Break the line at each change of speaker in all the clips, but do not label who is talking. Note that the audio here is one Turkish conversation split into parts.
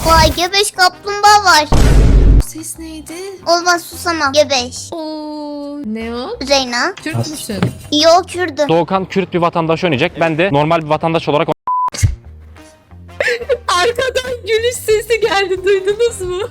Vay gebeş kaplumbağa var.
Ses neydi?
Olmaz susamam. Gebeş.
Oo, ne o?
Reyna.
Türk müsün?
Yok Kürdüm.
Doğukan Kürt bir vatandaş oynayacak. Ben de normal bir vatandaş olarak
Arkadan gülüş sesi geldi, duydunuz mu?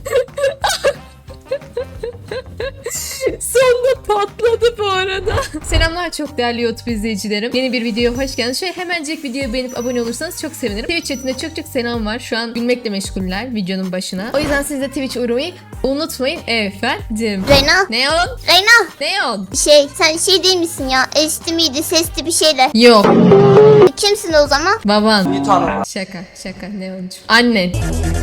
Sonunda patladı bu arada. Selamlar çok değerli YouTube izleyicilerim. Yeni bir videoya hoş geldiniz. Şöyle hemencik videoyu beğenip abone olursanız çok sevinirim. Twitch chatinde çok selam var. Şu an gülmekle meşguller videonun başına. O yüzden siz de Twitch'e uğramayı unutmayın efendim.
Reyna.
Neon?
Reyna.
Neon?
Sen şey değil misin ya? Eşli miydi sesli bir şeyler.
Yok.
Kimsin o zaman?
Baban. Şaka Neoncuğum. Annen.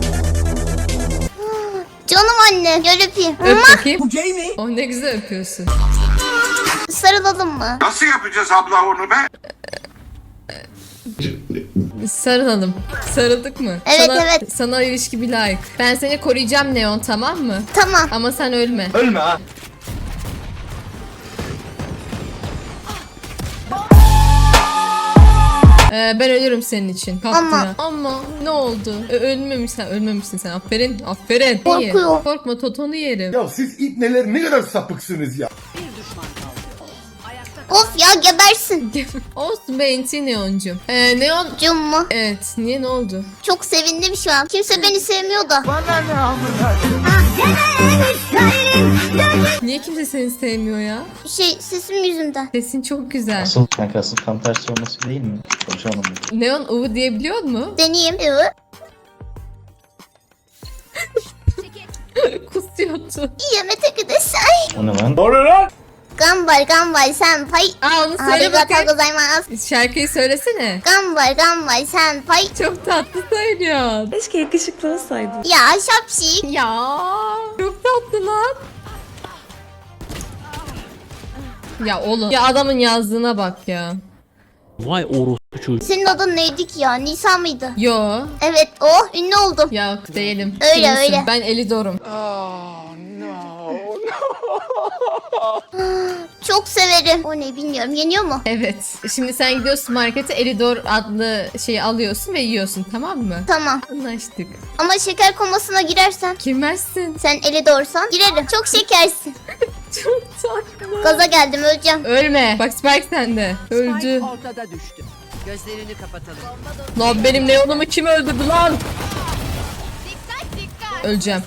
Canım anne. Gel öpeyim.
Öp bakayım. Bu gay mi? Oh ne güzel öpüyorsun.
Sarılalım mı?
Nasıl yapacağız abla onu be?
Sarılalım. Sarıldık mı?
Evet, evet.
Sana ilişki bir layık. Ben seni koruyacağım Neon, tamam mı?
Tamam.
Ama sen ölme.
Ölme ha.
Ben ölürüm senin için. Kalktı
Ama-
ya. Ama ne oldu? Ölmemişsin sen. Aferin. İyi.
Korkuyor.
Korkma, totonu yerim.
Ya siz ipneler ne kadar sapıksınız ya.
Of ya gebersin.
Olsun be inti Neon'cum. Neon...
Cum mu?
Evet. Niye, ne oldu?
Çok sevindim şu an. Kimse beni sevmiyor da.
Niye kimse seni sevmiyor ya?
Sesim yüzünden.
Sesin çok güzel.
Asıl kanka asıl tam tersi olması değil mi? Konuşalım.
Neon uvu diyebiliyor mu?
Deneyeyim. Evet.
Kusuyordu.
Yemete gidesay.
O ne lan?
Gambal senpai.
Aa onu söyle
Arigatou
bakayım.
gozaimasu.
Şarkıyı söylesene.
Gambal senpai.
Çok tatlı söylüyorsun.
Keşke yakışıklı olsaydın.
Ya şapşik.
Ya çok tatlı lan. Ya oğlum. Ya adamın yazdığına bak ya.
vay orospu çocuğu.
Senin adın neydi ki ya? Nisa mıydı?
Yo.
Evet ünlü oldum.
Yok değilim.
Öyle,
Kimsin?
öyle.
Ben Elidor'um.
Çok severim. O ne bilmiyorum. Yeniyor mu?
Evet. Şimdi sen gidiyorsun markete, Elidor adlı şeyi alıyorsun ve yiyorsun, tamam mı?
Tamam.
Anlaştık.
Ama şeker komasına girersen.
Girmezsin.
Sen eli doğursan girerim. Çok şekersin.
Çok tatlı.
Gaza geldim öleceğim.
Ölme. Bak Spike sende. Öldü.
Spike ortada düştü. Gözlerini kapatalım.
Lan benim Neon'umu kim öldürdü lan? Öleceğim.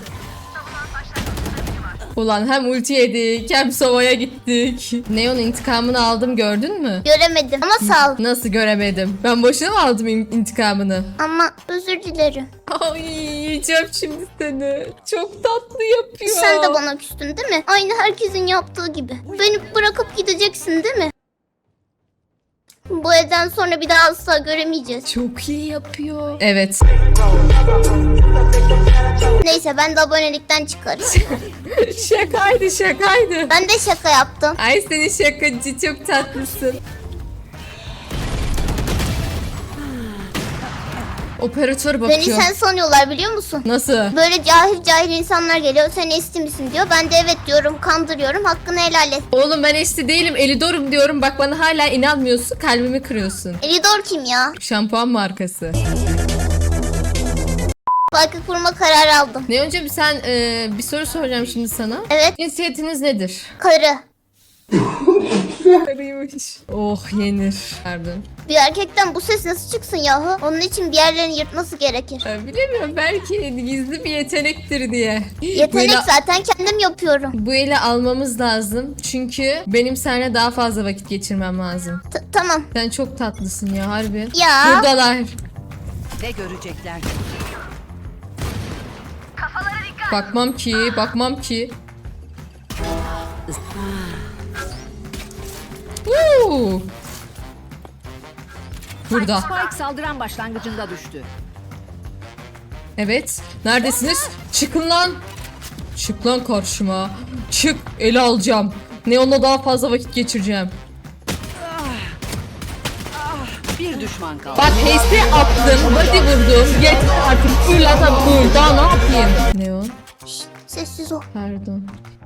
Ulan hem ulti yedik hem sovaya gittik. Neon intikamını aldım, gördün mü?
Göremedim ama sağ ol.
Nasıl göremedim? Ben boşuna mı aldım intikamını?
Ama özür dilerim.
Ay yiyeceğim şimdi seni. Çok tatlı yapıyor.
Sen de bana küstün değil mi? Aynı herkesin yaptığı gibi. Beni bırakıp gideceksin değil mi? Bu evden sonra bir daha asla göremeyeceğiz.
Çok iyi yapıyor. Evet.
Neyse ben de abonelikten çıkarım.
Şakaydı.
Ben de şaka yaptım.
Ay seni şakacı, çok tatlısın. Operatör
Beni
bakıyor.
sen sanıyorlar biliyor musun?
Nasıl?
Böyle cahil insanlar geliyor. Sen esti misin diyor. Ben de evet diyorum. Kandırıyorum. Hakkını helal et.
Oğlum ben eşli değilim, Elidor'um diyorum. Bak bana hala inanmıyorsun, kalbimi kırıyorsun.
Elidor kim ya?
Şampuan markası.
Farkı kurma kararı aldım.
Ne önce sen bir soru soracağım şimdi sana.
Evet.
Cinsiyetiniz nedir?
Karı.
Karıymış. Oh yenir. Pardon.
Bir erkekten bu ses nasıl çıksın yahu? Onun için bir yerlerini yırtması gerekir.
Bilemiyorum, belki gizli bir yetenektir diye.
Yetenek zaten kendim yapıyorum.
Bu ele almamız lazım. Çünkü benim seninle daha fazla vakit geçirmem lazım.
Tamam.
Sen çok tatlısın ya harbi.
Ya.
Buradalar.
Ne görecekler?
Bakmam ki. Burada.
Spike saldıran başlangıcında düştü.
Evet. Neredesiniz? Çıkın lan. Çık lan karşıma. Çık. Ele alacağım. Neon'la daha fazla vakit geçireceğim.
Bir düşman kaldı.
Bak HS attım. Body vurdum. Yeter artık. Fırlata bul. Daha ne yapayım? Neon.
Sessiz ol.
Pardon.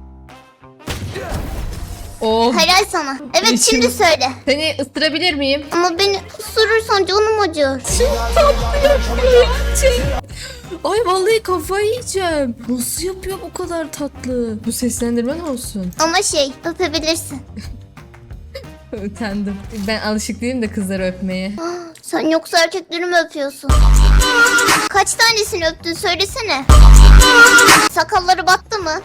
Oh.
Helal sana. Evet
İçim-
şimdi söyle.
Seni ısırabilir miyim?
Ama beni ısırırsan canım acır.
Çok tatlı yapıyor ya. Ay vallahi kafayı yiyeceğim. Nasıl yapıyor bu kadar tatlı? Bu seslendirme ne olsun?
Ama şey öpebilirsin.
Utandım. Ben alışık değilim de kızları öpmeye.
Sen yoksa erkekleri mi öpüyorsun? Kaç tanesini öptün söylesene. Sakalları battı mı?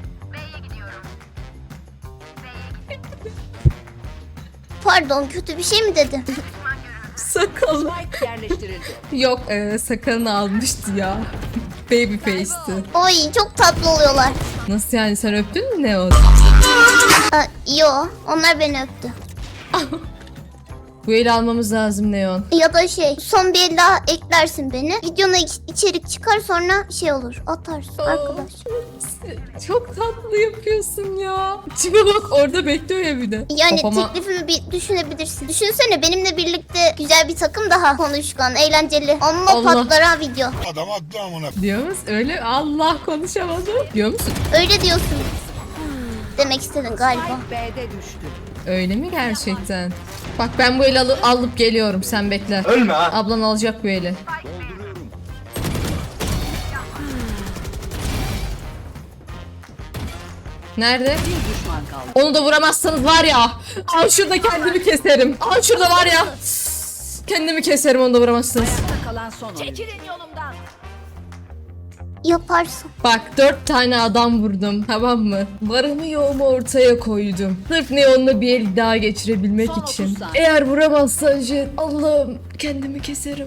Pardon kötü bir şey mi dedim?
Sakalı.
Spike yerleştirildi.
Yok sakalını almıştı ya. Baby face'ti.
Oy çok tatlı oluyorlar.
Nasıl yani, sen öptün mü Neon?
Yo onlar beni öptü.
Bu eli almamız lazım Neon.
Ya da şey son bir el daha eklersin beni. Videona içerik çıkar sonra şey olur atarsın arkadaş.
Çok tatlı yapıyorsun ya. Tipe bak, orada bekliyor ya bir de.
Yani
Kafama-
teklifimi bir düşünebilirsin. Düşünsene benimle birlikte güzel bir takım daha konuşkan, eğlenceli. Amma
Allah.
patlar ha video.
Adam haklı amına.
Diyor musun? Öyle Allah konuşamadım. Diyor musun?
Öyle diyorsun. Demek istedin galiba.
Spike B'de düştü.
Öyle mi gerçekten? Bak ben bu eli alıp geliyorum, sen bekle.
Ölme ha.
Ablan alacak bu eli. Nerede?
Bir düşman kaldı.
Onu da vuramazsanız var ya. Al şurada kendimi keserim. Al şurada var ya. Kendimi keserim, onu da vuramazsınız.
Ayakta kalan son oyun. Çekilin yolumdan.
Yaparsın.
Bak 4 tane adam vurdum, tamam mı? Varımı yoğumu ortaya koydum. Sırf Neon'la bir el daha geçirebilmek
Son 30
için.
saniye.
Eğer vuramazsan Jet, Allah'ım kendimi keserim.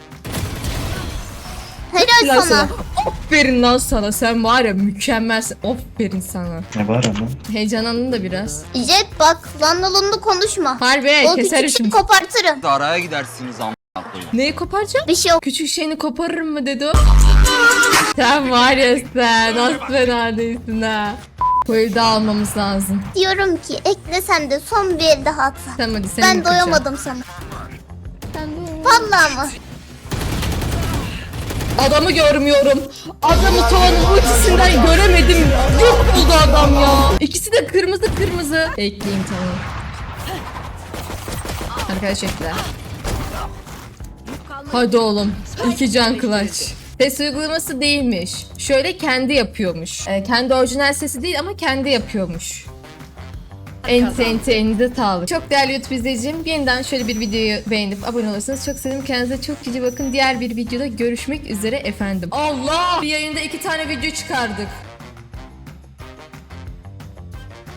Helal
Lan
sana.
Aferin lan sana, sen var ya mükemmelsin. Aferin sana.
Ne var ama?
Heyecanlandın da biraz.
Jet bak landalonlu konuşma.
Harbi
O
keserim
küçük
şimdi.
kopartırım.
Araya gidersiniz amına koyayım.
Neyi koparacağım?
Bir şey yok.
Küçük şeyini koparırım mı dedi o. Sen var ya, sen nasıl fena değilsin ha. Bu evde almamız lazım.
Diyorum ki eklesen de son bir el daha atsa.
Tamam hadi seni
Ben
bitireceğim.
doyamadım sana. Vallahi mı?
Adamı görmüyorum. Adamı tavanın ultisinden göremedim. Yok oldu adam ya. İkisi de kırmızı kırmızı. Ekleyeyim tamam. Arkadaş ekle. Hadi oğlum. 2 can clutch. Ses uygulaması değilmiş. Şöyle kendi yapıyormuş. Kendi orijinal sesi değil ama kendi yapıyormuş. Elinize sağlık. Çok değerli YouTube izleyicim, yeniden şöyle bir videoyu beğenip abone olursanız çok sevinirim. Kendinize çok cici bakın. Diğer bir videoda görüşmek üzere efendim. Allah! Bir yayında 2 tane video çıkardık.